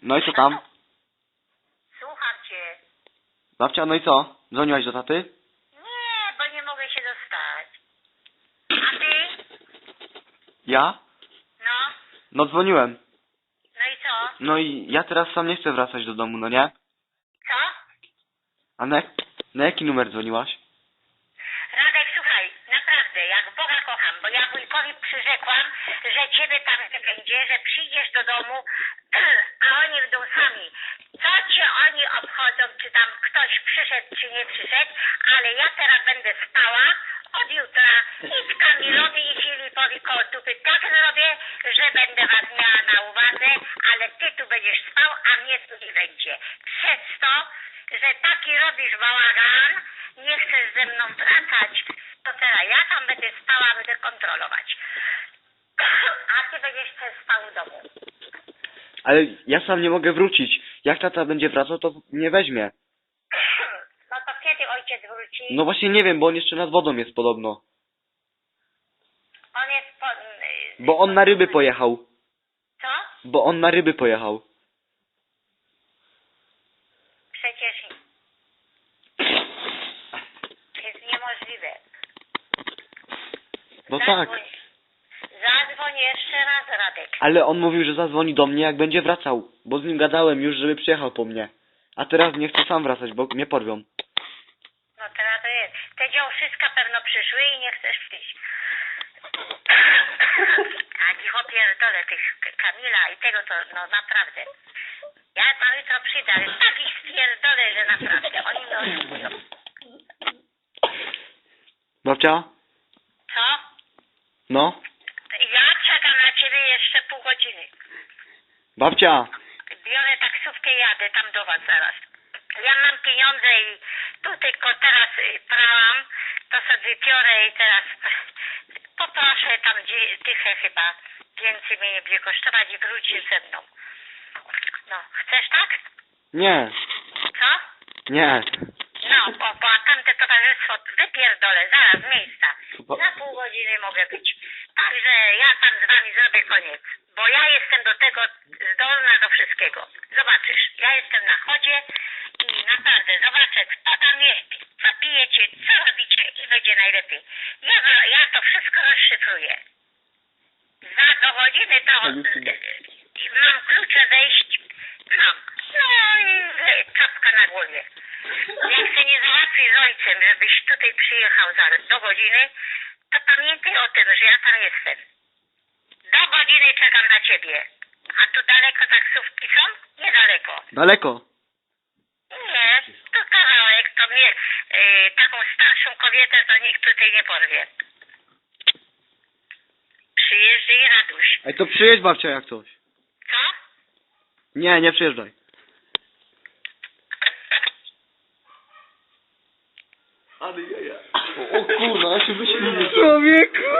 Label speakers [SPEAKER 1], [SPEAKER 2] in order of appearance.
[SPEAKER 1] No i co tam?
[SPEAKER 2] Słucham cię.
[SPEAKER 1] Babcia, no i co? Dzwoniłaś do taty?
[SPEAKER 2] Nie, bo nie mogę się dostać. A ty?
[SPEAKER 1] Ja?
[SPEAKER 2] No,
[SPEAKER 1] No dzwoniłem.
[SPEAKER 2] no i co?
[SPEAKER 1] No i ja teraz sam nie chcę wracać do domu, no nie?
[SPEAKER 2] Co?
[SPEAKER 1] A na jaki numer dzwoniłaś?
[SPEAKER 2] Radek, słuchaj, naprawdę, jak Boga kocham, bo ja wujkowi przyrzekłam, że ciebie tam nie będzie, że przyjdziesz do domu, a oni będą sami. Co cię oni obchodzą, czy tam ktoś przyszedł, czy nie przyszedł, ale ja teraz będę spała od jutra i Kamilowi i Filipowi koło dupy tak zrobię, że będę was miała na uwadze, ale ty tu będziesz spał, a mnie tu nie będzie. Przez to, że taki robisz bałagan, nie chcesz ze mną wracać, to teraz ja tam będę spała, będę kontrolować. A ty będziesz też spał w domu.
[SPEAKER 1] Ale ja sam nie mogę wrócić. Jak tata będzie wracał, to nie weźmie.
[SPEAKER 2] No to kiedy ojciec wróci?
[SPEAKER 1] No właśnie nie wiem, bo on jeszcze nad wodą jest podobno.
[SPEAKER 2] On jest po...
[SPEAKER 1] Bo on na ryby pojechał.
[SPEAKER 2] Co?
[SPEAKER 1] Bo on na ryby pojechał.
[SPEAKER 2] Przecież jest niemożliwe.
[SPEAKER 1] No tak.
[SPEAKER 2] Zadzwoń jeszcze raz, Radek.
[SPEAKER 1] Ale on mówił, że zadzwoni do mnie, jak będzie wracał. Bo z nim gadałem już, żeby przyjechał po mnie. A teraz nie chcę sam wracać, bo mnie porwią.
[SPEAKER 2] No teraz to jest. Te działszyska pewno przyszły i nie chcesz przyjść. A dziś opierdolę tych Kamila i tego to, no naprawdę. Ja tam jutro przyjdę, ale tak ich spierdolę, że naprawdę. Oni mnie oszukują.
[SPEAKER 1] Babcia?
[SPEAKER 2] Co?
[SPEAKER 1] No?
[SPEAKER 2] Ja czekam na ciebie jeszcze pół godziny.
[SPEAKER 1] Babcia!
[SPEAKER 2] Biorę taksówkę i jadę tam do was zaraz. Ja mam pieniądze i tu tylko teraz prałam, to sobie biorę i teraz poproszę tam dychę chyba. Więcej mnie nie będzie kosztować i wrócisz ze mną. No, chcesz tak?
[SPEAKER 1] Nie.
[SPEAKER 2] Co?
[SPEAKER 1] Nie.
[SPEAKER 2] No, bo tamte towarzystwo wypierdolę zaraz z miejsca. Za pół godziny mogę być. Także ja tam z wami zrobię koniec. Bo ja jestem do tego zdolna do wszystkiego. Zobaczysz, ja jestem na chodzie i naprawdę zobaczę, kto tam jest. Zapijecie, co robicie i będzie najlepiej. Ja to wszystko rozszyfruję. Za do godziny to mam klucze wejść. Mam. No i czapka na głowie. Jak się nie załatwi z ojcem, żebyś tutaj przyjechał do godziny, to pamiętaj o tym, że ja tam jestem. Do godziny czekam na ciebie. A tu daleko taksówki są? Niedaleko.
[SPEAKER 1] Daleko.
[SPEAKER 2] Nie, to kawałek, to mnie taką starszą kobietę to nikt tutaj nie porwie. Przyjeżdżaj, Raduś.
[SPEAKER 1] Ej, to przyjedź babcia jak coś.
[SPEAKER 2] Co?
[SPEAKER 1] Nie, nie przyjeżdżaj. Ale ja. O kurwa, ja się wyśmieję. Człowieku!